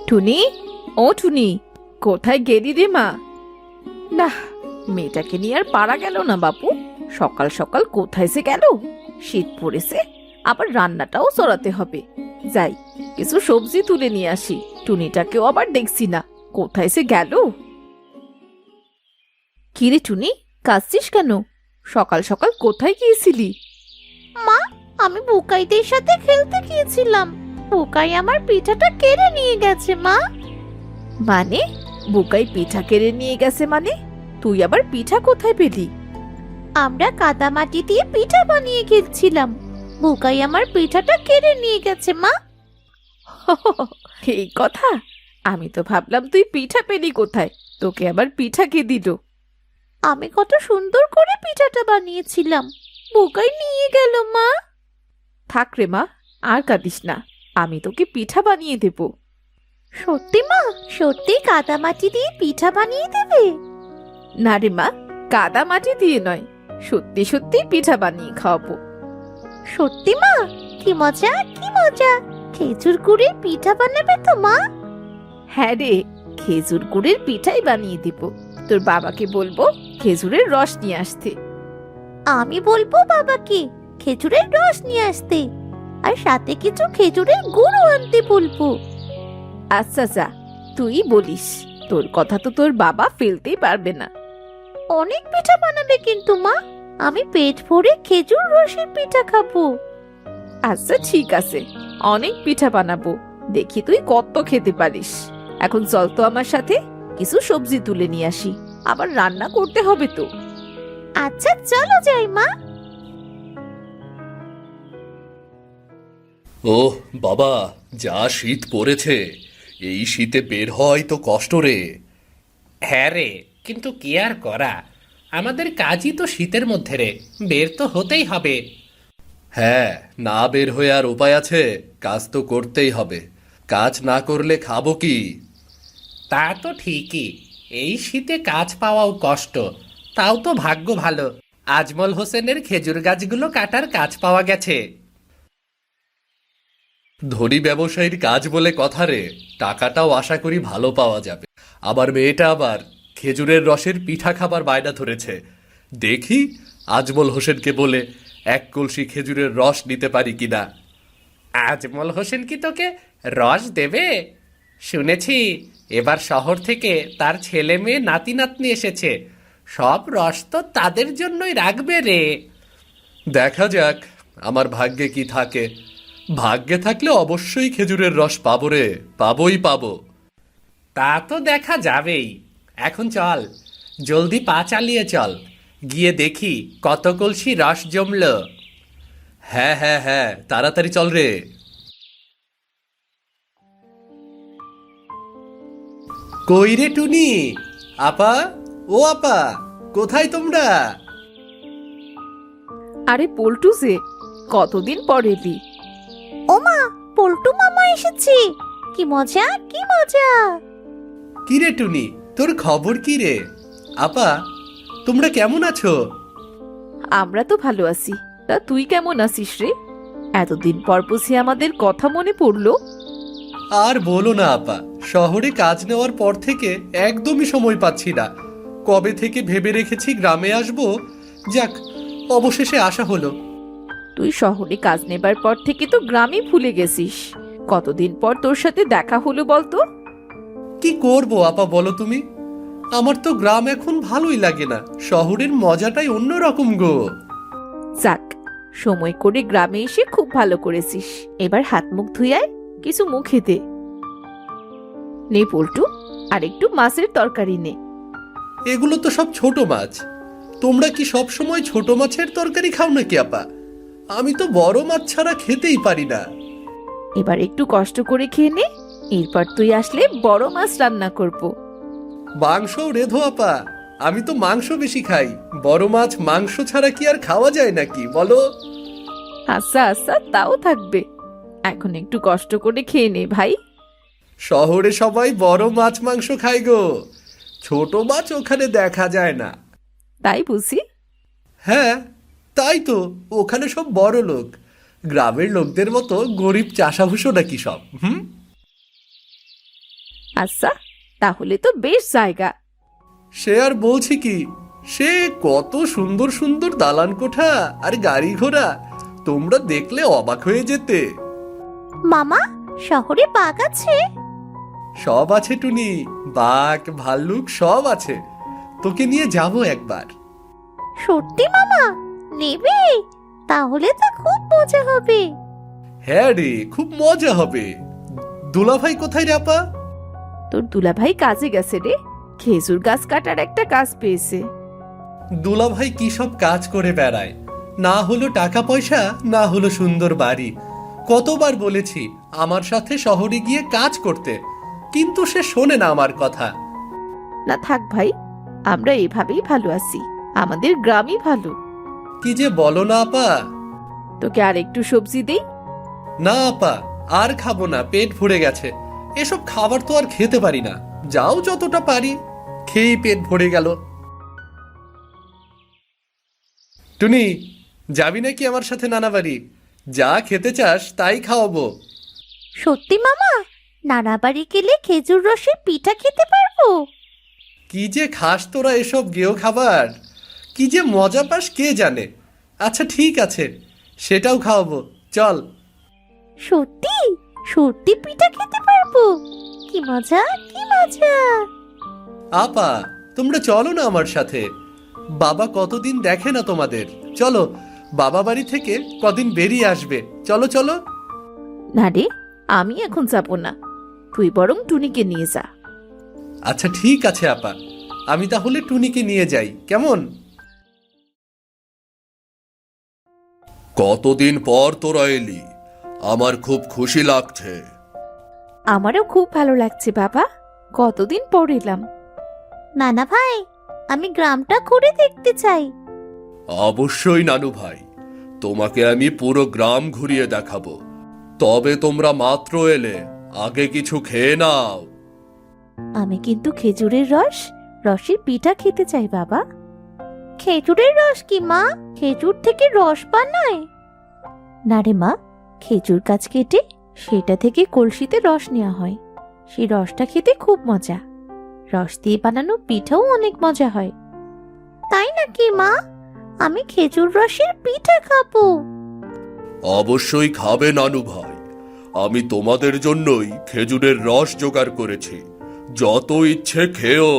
টুনি, ও টুনি, কোথায় গেলি রে মা? না, মেয়েটাকে নিয়ে আর পারা গেল না বাপু। সকাল সকাল কোথায় সে গেল? শীত পড়েছে, আবার রান্নাটাও চড়াতে হবে। যাই, কিছু সবজি তুলে নিয়ে আসি। টুনিটাকেও আবার দেখছি না, কোথায় সে গেল? কিরে টুনি, কাঁদছিস কেন? সকাল সকাল কোথায় গিয়েছিলি? মা, আমি বুকাইদের সাথে খেলতে গিয়েছিলাম। বুকাই আমার পিঠাটা কেড়ে নিয়ে গেছে মা। মানে, বুকাই পিঠা কেড়ে নিয়ে গেছে মানে? তুই আবার পিঠা কোথায় পেলি? আমরা কাদামাটি দিয়ে পিঠা বানিয়ে খেলছিলাম। বুকাই আমার পিঠাটা কেড়ে নিয়ে গেছে মা। এই কথা? আমি তো ভাবলাম তুই পিঠা পেলি কোথায়, তোকে আবার পিঠা কে দিল? আমি কত সুন্দর করে পিঠাটা বানিয়েছিলাম, বুকাই নিয়ে গেল মা। থাক রে মা, আর কাঁদিস না, আমি তোকে পিঠা বানিয়ে দেব। সত্যি মা? সত্যি কাদামাটি দিয়ে পিঠা বানিয়ে দেবে? না রে মা, কাদা মাটি দিয়ে নয়, সত্যি সত্যি পিঠা বানিয়ে খাওয়াবো। সত্যি মা? কি মজা, কি মজা! খেজুর গুড়ের পিঠা বানাবে তো মা? হ্যাঁ রে, খেজুর গুড়ের পিঠাই বানিয়ে দেব। তোর বাবাকে বলবো খেজুরের রস নিয়ে আসতে। আমি বলবো বাবাকে খেজুরের রস নিয়ে আসতে, আর সাথে কিছু খেজুরের গুঁড়ো আনতে বলবো। আচ্ছা যা, তুই বলিস, তোর কথা তো তোর বাবা ফেলতেই পারবে না। অনেক পিঠা বানাবে কিন্তু মা, আমি পেট ভরে খেজুর রসের পিঠা খাবো। আচ্ছা ঠিক আছে, অনেক পিঠা বানাবো, দেখি তুই কত খেতে পারিস। এখন চল তো আমার সাথে, কিছু সবজি তুলে নিয়ে আসি, আবার রান্না করতে হবে তো। আচ্ছা চলো যাই মা। ওহ বাবা, যা শীত পড়েছে! এই শীতে বের হয় তো কষ্ট রে। হ্যাঁ রে, কিন্তু কি আর করা, আমাদের কাজই তো শীতের মধ্যে রে, বের তো হতেই হবে। হ্যাঁ, না বের হয়ে আর উপায় আছে? কাজ তো করতেই হবে, কাজ না করলে খাবো কি? তা তো ঠিকই, এই শীতে কাজ পাওয়াও কষ্ট। তাও তো ভাগ্য ভালো, আজমল হোসেনের খেজুর গাছগুলো কাটার কাজ পাওয়া গেছে। ধনী ব্যবসায়ীর কাজ বলে কথা রে, টাকাটাও আশা করি ভালো পাওয়া যাবে। আবার মেয়েটা আবার খেজুরের রসের পিঠা খাবার বায়না ধরেছে। দেখি আজমল হোসেনকে বলে এক কলসি খেজুরের রস নিতে পারি কিনা। আজমল হোসেন কি তোকে রস দেবে? শুনেছি এবার শহর থেকে তার ছেলে মেয়ে নাতি নাতনি এসেছে, সব রস তো তাদের জন্যই রাখবে রে। দেখা যাক আমার ভাগ্যে কি থাকে। ভাগ্যে থাকলে অবশ্যই খেজুরের রস পাবো রে, পাবোই পাবো। তা তো দেখা যাবেই। এখন চল, জলদি পা চালিয়ে চল, গিয়ে দেখি কত কলসি রস জমল। হ্যাঁ হ্যাঁ হ্যাঁ, তাড়াতাড়ি চল রে। কই রে টুনি, আপা, ও আপা, কোথায় তোমরা? আরে পল্টু যে, কতদিন পর এলি? ও মা, পল্টু মামা এসেছে! কি মজা, কি মজা! কি রে টুনি, তোর খবর কি রে? আপা, তোমরা কেমন আছো? আমরা তো ভালো আছি, তা তুই কেমন আছিস রে? এতদিন পর বুঝি আমাদের কথা মনে পড়লো? আর বলো না আপা, শহরে কাজ নেওয়ার পর থেকে একদমই সময় পাচ্ছি না। কবে থেকে ভেবে রেখেছি গ্রামে আসবো, যাক অবশেষে আসা হলো। তুই শহরে কাজ নেবার পর থেকে তো গ্রামই ভুলে গেছিস। কতদিন পর তোর সাথে দেখা হলো বলতো? কি করব আপা বলো তুমি, আমার তো গ্রাম এখন ভালোই লাগে না, শহরের মজাটাই অন্যরকম গো। যাক, সময় করে গ্রামে এসে খুব ভালো করেছিস। এবার হাত মুখ ধুই আয়, কিছু মুখে দে। নে পল্টু, আর একটু মাছের তরকারি নে। এগুলো তো সব ছোট মাছ, তোমরা কি সব সময় ছোট মাছের তরকারি খাও নাকি আপা? আমি তো বড় মাছ ছাড়া খেতেই পারি না। এবার একটু কষ্ট করে খেয়ে নে, এরপর তুই আসলে বড় মাছ রান্না করব। মাংসও রেধো আপা, আমি তো মাংস বেশি খাই, বড় মাছ মাংস ছাড়া কি আর খাওয়া যায় নাকি বলো? আচ্ছা আচ্ছা, তাও থাকবে, এখন একটু কষ্ট করে খেয়ে নে ভাই। শহরে সবাই বড় মাছ মাংস খায় গো, ছোট মাছ ওখানে দেখা যায় না। তাই বুঝি? হ্যাঁ তাই তো, ওখানে সব বড় লোক, গ্রামের লোকদের মতো গরিব চাষাভুষো নাকি সব। আচ্ছা, তাহলে তো বেশ জায়গা। সে আর বলছি কি, সে কত সুন্দর সুন্দর দালান কোঠা আর গাড়ি ঘোড়া, তোমরা দেখলে অবাক হয়ে যেতে। মামা, শহরে বাঘ আছে? সব আছে টুনি, বাঘ ভাল্লুক সব আছে। তোকে নিয়ে যাব একবার। সত্যি মামা? নেবে? তাহলে তো খুব মজা হবে। হ্যাঁ রে, খুব মজা হবে। দুলাভাই কোথায় রে আপা? তোর দুলাভাই কাজে গেছে রে, খেজুর গাছ কাটার একটা কাজ পেয়েছে। দুলাভাই কি সব কাজ করে বেড়ায়, না হলো টাকা পয়সা, না হলো সুন্দর বাড়ি। কতবার বলেছি আমার সাথে শহরে গিয়ে কাজ করতে, কিন্তু সে শোনে না আমার কথা। না থাক ভাই, আমরা এভাবেই ভালো আছি, আমাদের গ্রামই ভালো। কি যে বলো না আপা। তোকে আর একটু সবজি দেই? না আপা, আর খাবো না, পেট ভরে গেছে। এসব খাবার তো আর খেতে পারি না। যাও, যতটা পারি খেয়েই পেট ভরে গেল। টুনি, যাবি নাকি আমার সাথে নানা বাড়ি? যা খেতে চাস তাই খাওয়াবো। সত্যি মামা? নানা বাড়ি গেলে খেজুর রসের পিঠা খেতে পারবো? কি যে খাস তোরা এসব গেও খাবার, কি যে মজা পাস কে জানে। আচ্ছা ঠিক আছে, সেটাও খাওয়াবো, চল। সত্যি? সত্যি পিঠা খেতে পারবো? কি মজা, কি মজা! আপা, তোমরা চলো না আমার সাথে। বাবা কতদিন দেখে না তোমাদের। চলো, বাবা বাড়ি থেকে কদিন বেরিয়ে আসবে। চলো চলো। না রে, আমি এখন যাব না, তুই বরং টুনিকে নিয়ে যা। আচ্ছা ঠিক আছে আপা, আমি তাহলে টুনিকে নিয়ে যাই, কেমন? কতদিন পর তোরা এলি, আমার খুব খুশি লাগছে। আমারও খুব ভালো লাগছে বাবা, কতদিন পর এলাম। নানা ভাই, আমি গ্রামটা ঘুরে দেখতে চাই। অবশ্যই নানু ভাই, তোমাকে আমি পুরো গ্রাম ঘুরিয়ে দেখাবো। তবে তোমরা মাত্র এলে, আগে কিছু খেয়ে নাও। আমি কিন্তু খেজুরের রসের পিঠা খেতে চাই বাবা। খেজুরের রস কি মা? খেজুর থেকে রস বানায়? না রে মা, খেজুর গাছ কেটে সেটা থেকে কলসিতে রস নেওয়া হয়, সেই রসটা খেতে খুব মজা। রস দিয়ে বানানো পিঠাও অনেক মজা হয়। তাই নাকি মা? আমি খেজুর রসের পিঠা খাবো। অবশ্যই খাবে নানু ভাই, আমি তোমাদের জন্যই খেজুরের রস জোগাড় করেছি। যত ইচ্ছে খেও।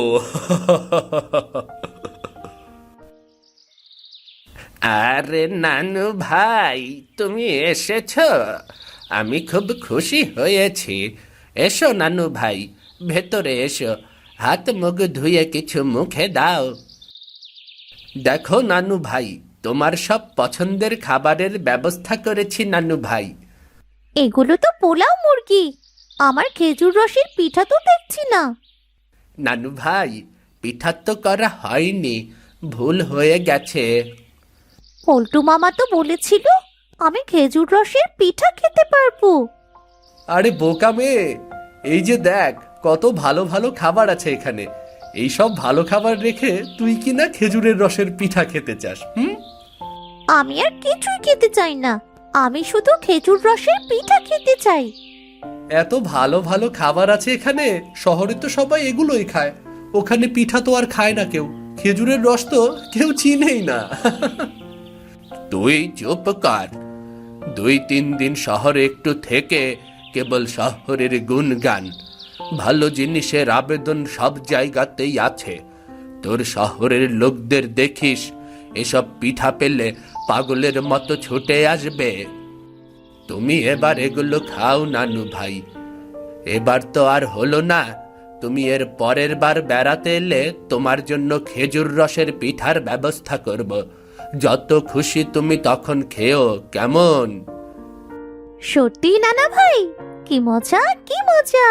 আরে নানু ভাই, তুমি এসেছ? আমি খুব খুশি হয়েছি। এসো নানু ভাই, ভেতরে এসো, হাত মুখ ধুয়ে কিছু মুখে দাও। দেখো নানু ভাই, তোমার সব পছন্দের খাবারের ব্যবস্থা করেছি নানু ভাই। এগুলো তো পোলাও মুরগি, আমার খেজুর রসের পিঠা তো দেখছি না। নানু ভাই, পিঠা তো করা হয়নি, ভুল হয়ে গেছে। পল্টু মামা তো বলেছিল আমি খেজুর রসের পিঠা খেতে পারবো। আরে বোকা মেয়ে, এই যে দেখ কত ভালো ভালো খাবার আছে এখানে। এই সব ভালো খাবার রেখে তুই কি না খেজুরের রসের পিঠা খেতে চাস? আমি আর কিছুই খেতে চাই না, আমি শুধু খেজুর রসের পিঠা খেতে চাই। এত ভালো ভালো খাবার আছে এখানে, শহরে তো সবাই এগুলোই খায়। ওখানে পিঠা তো আর খায় না কেউ, খেজুরের রস তো কেউ চিনেই না। তুই চুপ কর। 2-3 দিন শহরে একটু থেকে কেবল শহরের গুণগান, ভালো জিনিসের আবেদন সব জায়গাতেই আছে। তোর শহরের লোকদের দেখিস, এসব পিঠা পেলে পাগলের মতো ছুটে আসবে। তুমি এবার এগুলো খাও নানু ভাই। এবার তো আর হলো না, তুমি এর পরের বার বেড়াতে এলে তোমার জন্য খেজুর রসের পিঠার ব্যবস্থা করব। যত খুশি তুমি তখন খেও, কেমন? সত্যি নানা ভাই? কি মজা, কি মজা!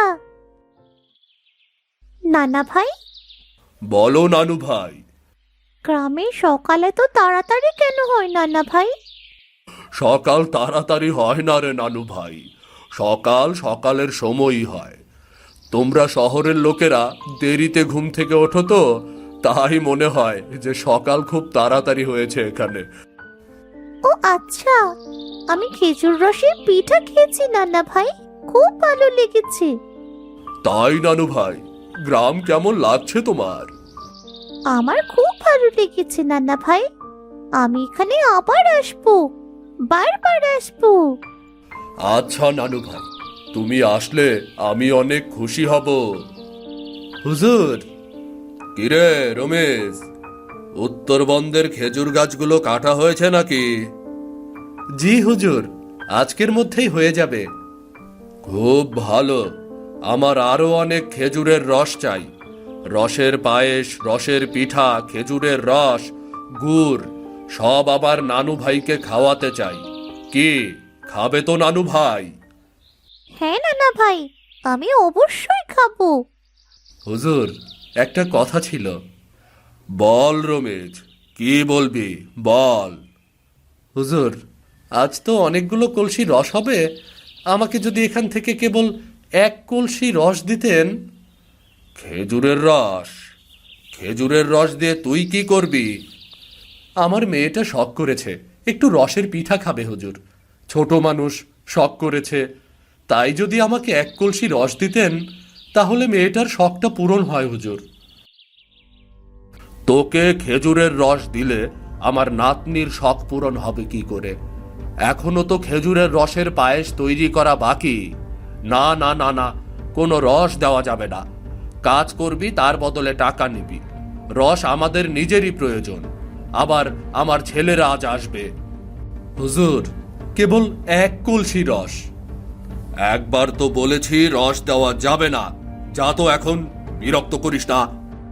নানা ভাই, বলো নানু ভাই। গ্রামে সকালে তো তাড়াতাড়ি কেন হয় নানা ভাই? সকাল তাড়াতাড়ি হয় না রে নানু ভাই, সকাল সকালের সময়ই হয়। তোমরা শহরের লোকেরা দেরিতে ঘুম থেকে ওঠো তো, তাই মনে হয় যে সকাল খুব তাড়াতাড়ি হয়েছে এখানে। ও আচ্ছা, আমি খেজুর রসের পিঠা খেয়েছি নানা ভাই, খুব ভালো লেগেছে। তাই নানু ভাই, গ্রাম কেমন লাগছে তোমার? আমার খুব ভালো লেগেছে নানা ভাই। আমি এখানে আবার আসবো, বারবার আসবো। আচ্ছা নানু ভাই, তুমি আসলে আমি অনেক খুশি হব। হুজুর, কিরে রমেশ, উত্তরবন্দের খেজুর গাছগুলো কাটা হয়েছে নাকি? জি হুজুর, আজকের মধ্যেই হয়ে যাবে। খুব ভালো। আমার আরো অনেক খেজুরের রস চাই। রসের পায়েস, রসের পিঠা, খেজুরের রস, গুড় সব আবার নানু ভাইকে খাওয়াতে চাই। কি খাবে তো নানু ভাই? হ্যাঁ নানা ভাই, আমি অবশ্যই খাবো। হুজুর, একটা কথা ছিল। বল রমেশ, কি বলবি বল। হুজুর, আজ তো অনেকগুলো কলসি রস হবে, আমাকে যদি এখান থেকে কেবল এক কলসি রস দিতেন। খেজুরের রস? খেজুরের রস দিয়ে তুই কি করবি? আমার মেয়েটা শখ করেছে একটু রসের পিঠা খাবে হুজুর। ছোট মানুষ, শখ করেছে। তাই যদি আমাকে এক কলসি রস দিতেন, তাহলে মেয়েটার শখটা পূরণ হয় হুজুর। তোকে খেজুরের রস দিলে আমার নাতনির শখ পূরণ হবে কি করে? এখনো তো খেজুরের রসের পায়েস তৈরি করা বাকি। না না না না, কোনো রস দেওয়া যাবে না। কাজ করবি, তার বদলে টাকা নিবি। রস আমাদের নিজেরই প্রয়োজন। আবার আমার ছেলেরা আজ আসবে। হুজুর, কেবল এক কলসি রস। একবার তো বলেছি রস দেওয়া যাবে না। যা তো এখন, বিরক্ত করিস না।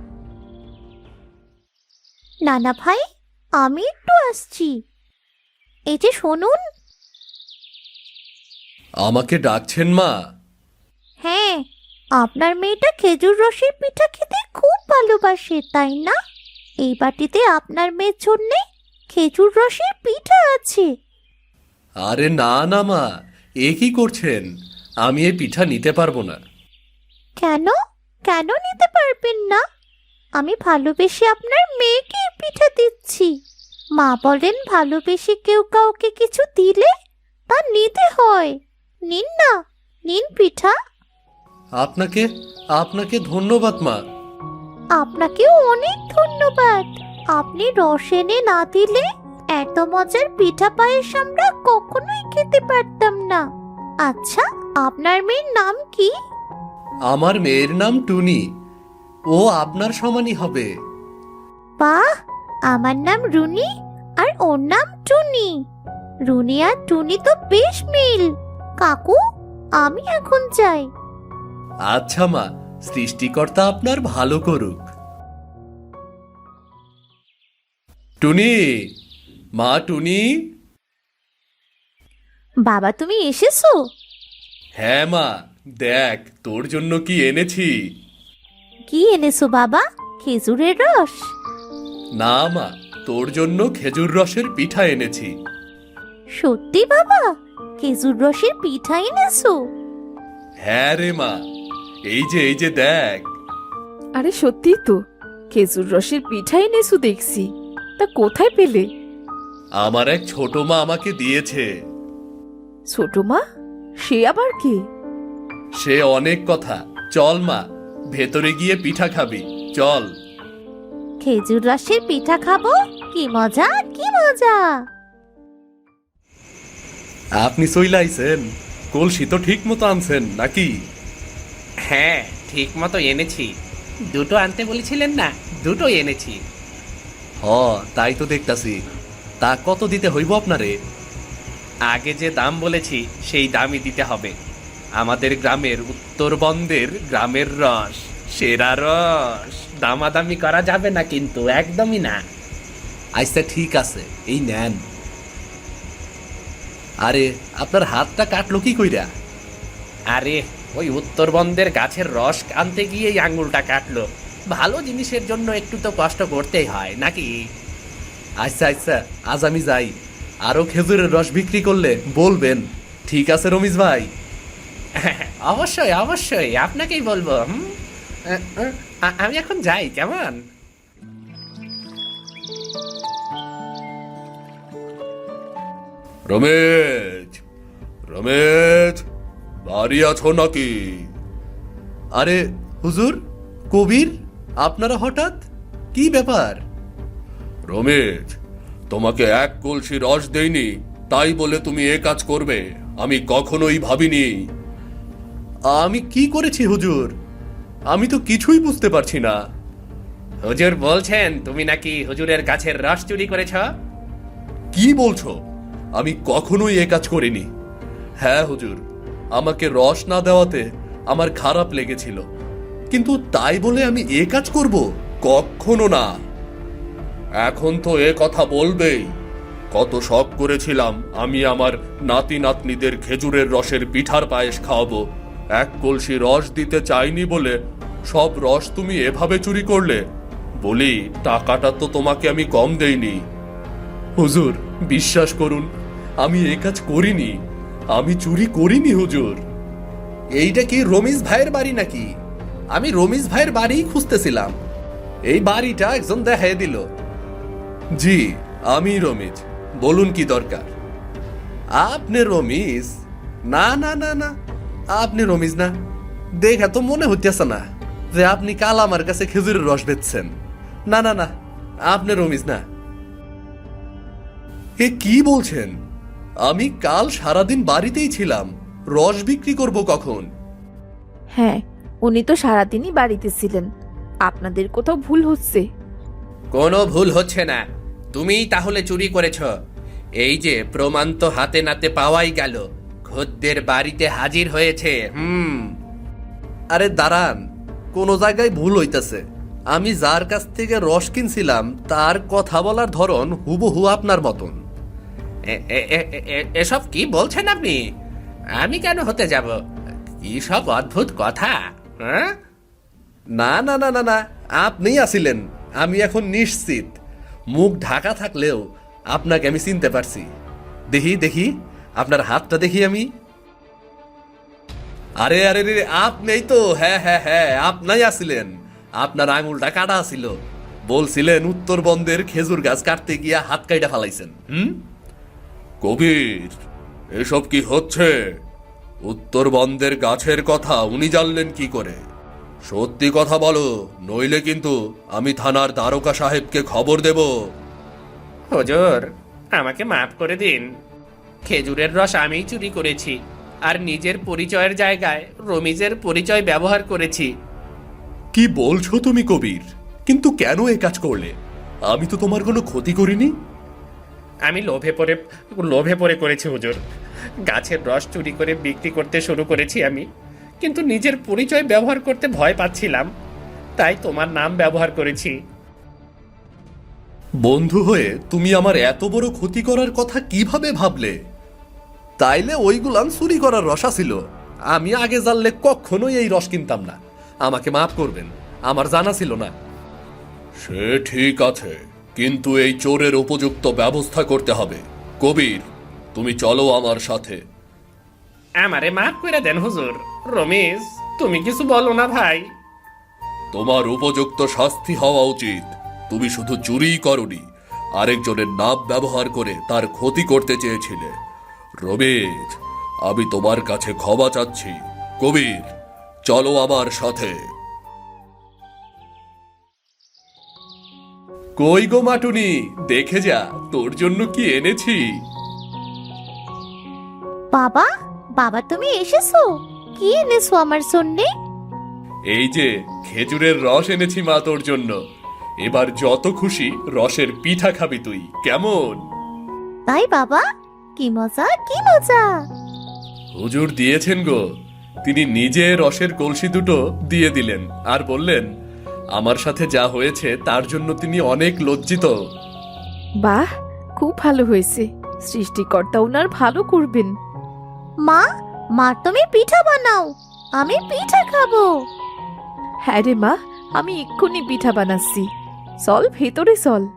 নানা ভাই, আমি একটু আসছি। এই যে শুনুন। আমাকে ডাকছেন মা? হ্যাঁ, আপনার মেয়েটা খেজুর রসের পিঠা খেতে খুব ভালোবাসে, তাই না? এই বাটিতে আপনার মেয়ের জন্যে খেজুর রসের পিঠা আছে। আরে না না মা, এ কি করছেন? আমি এই পিঠা নিতে পারবো না। কেন? কেন নিতে পারবেন না? আমি ভালোবেসে আপনার মেয়েকে এই পিঠা দিচ্ছি। মা বলেন, ভালোবেসে কেউ কাউকে কিছু দিলে তা নিতে হয়। নিন না, নিন পিঠা। আপনাকে আপনাকে ধন্যবাদ মা। আপনাকেও অনেক ধন্যবাদ। আপনি রস এনে না দিলে এত মজার পিঠা পায়েস আমরা কখনোই খেতে পারতাম না। আচ্ছা, আপনার মেয়ের নাম কি? আমার মেয়ের নাম টুনি। ও আপনার সমানই হবে। বাহ, আমার নাম রুনি আর ওর নাম টুনি। রুনি আর টুনি তো বেশ মিল। কাকু, আমি এখন যাই। আচ্ছা মা, সৃষ্টিকর্তা আপনার ভালো করুক। টুনি, মা টুনি। বাবা, তুমি এসেছো? হ্যাঁ মা, দেখ তোর জন্য কি এনেছি। কি এনেছো বাবা? খেজুরের রস? না মা, তোর জন্য খেজুর রসের পিঠা এনেছি। সত্যি বাবা, খেজুর রসের পিঠা এনেছো? হ্যাঁ রে মা, এই যে দেখ। আরে সত্যি তো, খেজুর রসের পিঠা এনেছো দেখছি। তা কোথায় পেলে? আমার এক ছোট মা আমাকে দিয়েছে। ছোট মা? সে আবার কে? সে অনেক কথা। চল মা, ভেতরে গিয়ে পিঠা খাবি, চল। খেজুর রসের পিঠা খাবো? কি মজা, কি মজা! আপনি চইলাইছেন? কলসি তো ঠিক মতো আনছেন নাকি? হ্যাঁ, ঠিক মতো এনেছি। দুটো আনতে বলেছিলেন না, দুটো এনেছি। হ, তাই তো দেখতাছি। তা কত দিতে হইব আপনারে? আগে যে দাম বলেছি সেই দামই দিতে হবে। আমাদের গ্রামের উত্তরবন্দের গ্রামের রস, সেরা রস। দামাদামি করা যাবে না কিন্তু, একদমই না। আচ্ছা ঠিক আছে, এই নেন। আরে আপনার হাতটা কাটলো কি কইরা? আরে ওই উত্তরবন্দের গাছের রস আনতে গিয়েই আঙুলটা কাটলো। ভালো জিনিসের জন্য একটু তো কষ্ট করতেই হয় নাকি? আচ্ছা আচ্ছা, আজ আমি যাই। আরো খেজুরের রস বিক্রি করলে বলবেন। ঠিক আছে রমিজ ভাই। অবশ্যই অবশ্যই, আপনাকেই বলবো। আমি এখন যাই, কেমন? রমেশ, রমেশ, বাড়ি আছো নাকি? আরে হুজুর, কবির, আপনারা হঠাৎ কি ব্যাপার? রমেশ, তোমাকে এক কলসি রস দেইনি তাই বলে তুমি এ কাজ করবে আমি কখনোই ভাবিনি। আমি কি করেছি হুজুর? আমি তো কিছুই বুঝতে পারছি না। হুজুর বলছেন তুমি নাকি হুজুরের গাছের রস চুরি করেছ। কি বলছো? আমি কখনোই এ কাজ করিনি। হ্যাঁ হুজুর, আমাকে রস না দেওয়াতে আমার খারাপ লেগেছিল, কিন্তু তাই বলে আমি এ কাজ করব? কখনো না। এখন তো এ কথা বলবেই। কত শখ করেছিলাম আমি আমার নাতি নাতনিদের খেজুরের রসের পিঠার পায়েস খাওয়াবো। এক কলসি রস দিতে চাইনি বলে সব রস তুমি এভাবে চুরি করলে। বলি, টাকাটা তো তোমাকে আমি কম দেইনি। হুজুর, বিশ্বাস করুন, আমি এ কাজ করিনি। আমি চুরি করিনি হুজুর। এইটা কি রমিজ ভাইয়ের বাড়ি নাকি? আমি রমিজ ভাইয়ের বাড়ি খুঁজতেছিলাম, এই বাড়িটা একজন দেখাই দিল। জি, আমি রমিজ, বলুন কি দরকার? আপনি রমিজ? না না না না, আপনি রমিজ না। দেখে তো মনে হইতেছে না যে আপনি কাল আমার কাছে খেজুরের রস বেচছেন। না না না, আপনি রমিজ না। এ কি বলছেন? আমি কাল সারাদিন বাড়িতেই ছিলাম, রস বিক্রি করব কখন? হ্যাঁ, উনি তো সারাদিনই বাড়িতে ছিলেন। আপনাদের কোথাও ভুল হচ্ছে। কোনো ভুল হচ্ছে না, তুমিই তাহলে চুরি করেছ। এই যে প্রমাণ তো হাতে নাতে পাওয়াই গেল, খদ্দের বাড়িতে হাজির হয়েছে। আরে দাঁড়ান, কোন জায়গায় ভুল হইতাছে। আমি যার কাছ থেকে রস কিনছিলাম তার কথা বলার ধরন হুবহু আপনার মতন। এসব কি বলছেন আপনি? আমি কেন হতে যাব? কি সব অদ্ভুত কথা। হ্যাঁ, না না না না না, আপনিই আছিলেন। আমি এখন নিশ্চিত, মুখ ঢাকা থাকলেও আপনাকে আমি চিনতে পারছি। দেখি দেখি আপনার হাতটা দেখি আমি। আরে আরে রে, আপনিই তো। হ্যাঁ হ্যাঁ হ্যাঁ, আপনাই আছিলেন। আপনার আঙুলটা কাটা ছিল, বলছিলেন উত্তরবঙ্গের খেজুর গাছ কাটতে গিয়া হাত কাইটা ফালাইছেন। কবির, এসব কি হচ্ছে? উত্তরবঙ্গের গাছের কথা উনি জানলেন কি করে? সত্যি কথা বলো, নইলে কিন্তু আমি থানার দ্বারকা সাহেবকে খবর দেব। হুজুর, আমাকে মাফ করে দিন। খেজুরের রস আমিই চুরি করেছি, আর নিজের পরিচয়ের জায়গায় রমিজের পরিচয় ব্যবহার করেছি। কি বলছো তুমি কবির? কিন্তু কেন এ কাজ করলে? আমি তো তোমার কোনো ক্ষতি করিনি। আমি লোভে পড়ে করেছি হুজুর। গাছের রস চুরি করে বিক্রি করতে শুরু করেছি আমি, কিন্তু নিজের পরিচয় ব্যবহার করতে ভয় পাচ্ছিলাম, তাই তোমার নাম ব্যবহার করেছি। বন্ধু হয়ে তুমি আমার এত বড় ক্ষতি করার কথা কিভাবে ভাবলে? তাইলে ওইগুলান চুরি করার রসা ছিল। আমি আগে জানলে কখনোই এই রস কিনতাম না। আমাকে মাফ করবেন, আমার জানা ছিল না। সে ঠিক আছে, কিন্তু এই চোরের উপযুক্ত ব্যবস্থা করতে হবে। কবির, তুমি চলো আমার সাথে। আমারে মাফ করে দেন হুজুর। রমেশ, তুমি কিছু বলো না ভাই। তোমার উপযুক্ত শাস্তি হওয়া উচিত। তুমি শুধু চুরিই করনি, আরেকজনের নাম ব্যবহার করে তার ক্ষতি করতে চেয়েছিলে। রমেশ, আমি তোমার কাছে ক্ষমা চাচ্ছি। কবির, চলো আমার সাথে। কই গো মাটুনি, দেখে যা তোর জন্য কি এনেছি। বাবা, বাবা তুমি এসেছো? কি এনেছো আমার জন্যে? এই যে খেজুরের রস এনেছি মা তোর জন্য। এবার যত খুশি রসের পিঠা খাবি তুই, কেমন? তাই বাবা, কি মজা কি মজা। হুজুর দিয়েছেন গো। তিনি নিজে রসের কলসি দুটো দিয়ে দিলেন আর বললেন, আমার সাথে যা হয়েছে তার জন্য তিনি অনেক লজ্জিত। বাহ, খুব ভালো হয়েছে। সৃষ্টিকর্তা ওনার ভালো করবেন। মা, মা তুমি পিঠা বানাও, আমি পিঠা খাবো। হ্যাঁ রে মা, আমি এক্ষুনি পিঠা বানাচ্ছি। চল ভেতরে চল।